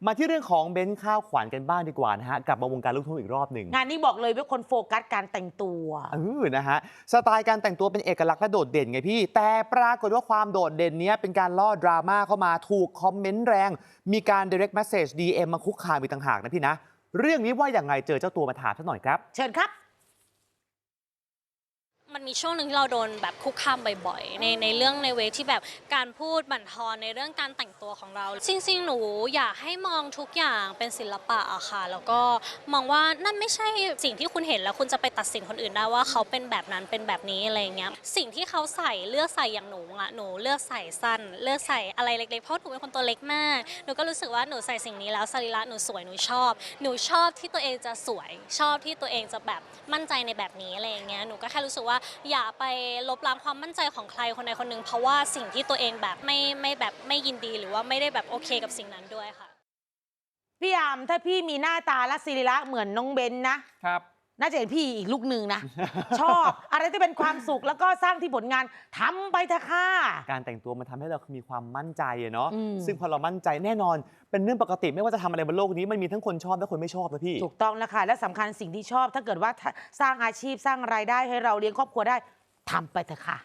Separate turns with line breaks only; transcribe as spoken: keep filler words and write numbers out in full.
มาที่เรื่องของเบนซ์ข้าวขวัญกันบ้างดีกว่านะฮะกลับมาวงการลูกทุ่งอีกรอบหนึ่ง
งานนี้บอกเลยว่าคนโฟกัสการแต่งตัว
เออนะฮะสไตล์การแต่งตัวเป็นเอกลักษณ์และโดดเด่นไงพี่แต่ปรากฏว่าความโดดเด่นนี้เป็นการล่อดราม่าเข้ามาถูกคอมเมนต์แรงมีการ direct message ดี เอ็ม มาคุกคามอีกต่างหากนะพี่นะเรื่องนี้ว่าอย่างไงเจอเจ้าตัวมาถามสักหน่อยครับ
เชิญครับ
มันมีช่วงหนึ่งที่เราโดนแบบคุกคามบ่อยๆในในเรื่องในเวที่แบบการพูดบั่นทอนในเรื่องการแต่งตัวของเราจริงๆหนูอยากให้มองทุกอย่างเป็นศิลปะอะค่ะแล้วก็มองว่านั่นไม่ใช่สิ่งที่คุณเห็นแล้วคุณจะไปตัดสินคนอื่นได้ว่าเขาเป็นแบบนั้นเป็นแบบนี้อะไรเงี้ยสิ่งที่เขาใส่เลือกใส่อย่างหนูอะหนูเลือกใส่สั้นเลือกใส่อะไรเล็กๆเพราะหนูเป็นคนตัวเล็กมากหนูก็รู้สึกว่าหนูใส่สิ่งนี้แล้วสรีระหนูสวยหนูชอบหนูชอบที่ตัวเองจะสวยชอบที่ตัวเองจะแบบมั่นใจในแบบนี้อะไรเงี้ยหนูก็แค่รู้สึกว่าอย่าไปลบล้างความมั่นใจของใครคนใดคนหนึ่งเพราะว่าสิ่งที่ตัวเองแบบไม่ไม่แบบไม่ยินดีหรือว่าไม่ได้แบบโอเคกับสิ่งนั้นด้วยค่ะ
พี่ยามถ้าพี่มีหน้าตาและศิริละเหมือนน้องเบนนะครับน่าจะเห็นพี่อีกลูกหนึ่งนะ ชอบอะไรที่เป็นความสุขแล้วก็สร้างที่ผลงานทำไปเถอะค่ะ
การแต่งตัวมันทำให้เรามีความมั่นใจอะเนาะ
อืม
ซึ่งพอเรามั่นใจแน่นอนเป็นเรื่องปกติไม่ว่าจะทำอะไรบนโลกนี้มันมีทั้งคนชอบและคนไม่ชอบนะพี่
ถูกต้องนะคะและสำคัญสิ่งที่ชอบถ้าเกิดว่าสร้างอาชีพสร้างรายได้ให้เราเลี้ยงครอบครัวได้ทำไปเถอะค่ะ